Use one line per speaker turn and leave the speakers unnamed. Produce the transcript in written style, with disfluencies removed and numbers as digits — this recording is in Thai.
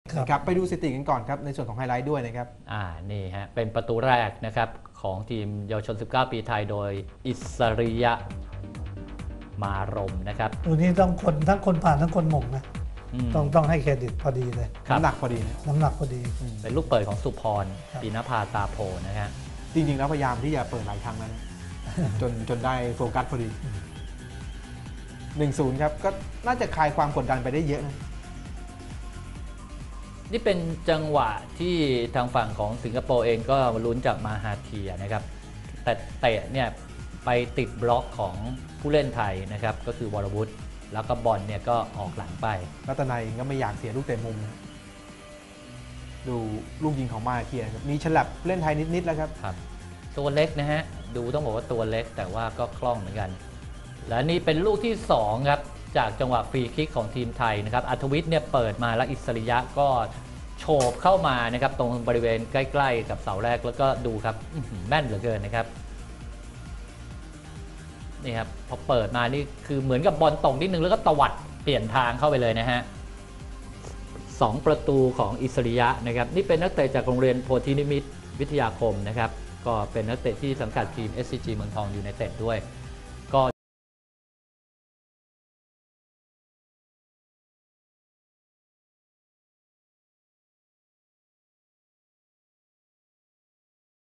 นะครับไปดูสถิติกันก่อนครับในส่วนของไฮไลท์ด้วยนะครับ
นี่ฮะเป็นประตูแรกนะครับของทีมเยาวชน19 ปีไทยโดยอิสริยะมารมนะครับ
ตัวนี้ต้องทั้งคนผ่านทั้งคนหม่งนะต้องให้เครดิตพอดีเลย
น้ำหนักพอดี
น้ำหนักพอดี
เป็นลูกเปิดของสุพรปีนภาตาโพนะฮะ
จริงๆแล้วพยายามที่จะเปิดหลายครั้งแล้วนะจนได้โฟกัสพอดี 1-0 ครับก็น่าจะคลายความกดดันไปได้เยอะนะ
นี่เป็นจังหวะที่ทางฝั่งของสิงคโปร์เองก็ลุ้นจากมาฮาเทียนะครับแต่เตะเนี่ยไปติดบล็อกของผู้เล่นไทยนะครับก็คือวรวุฒิแล้วก็บอลเนี่ยก็ออกหลังไป
รัตนัยก็ไม่อยากเสียลูกเตะมุมนะดูลูกยิงของมาฮาเทียครับมีฉลับเล่นไทยนิดๆแล้วครับ
ตัวเล็กนะฮะดูต้องบอกว่าตัวเล็กแต่ว่าก็คล่องเหมือนกันและนี่เป็นลูกที่2ครับจากจังหวะฟรีคิกของทีมไทยนะครับอัธวิทย์เนี่ยเปิดมาแล้วอิสริยะก็โฉบเข้ามานะครับตรงบริเวณใกล้ๆกับเสาแรกแล้วก็ดูครับแม่นเหลือเกินนะครับนี่ครับพอเปิดมานี่คือเหมือนกับบอลตกนิดนึงแล้วก็ตวัดเปลี่ยนทางเข้าไปเลยนะฮะ2 ประตูของอิสริยะนะครับนี่เป็นนักเตะจากโรงเรียนโพธินิมิตรวิทยาคมนะครับก็เป็นนักเตะที่สังกัดทีม SCG เมืองทองยูไนเต็ดด้วย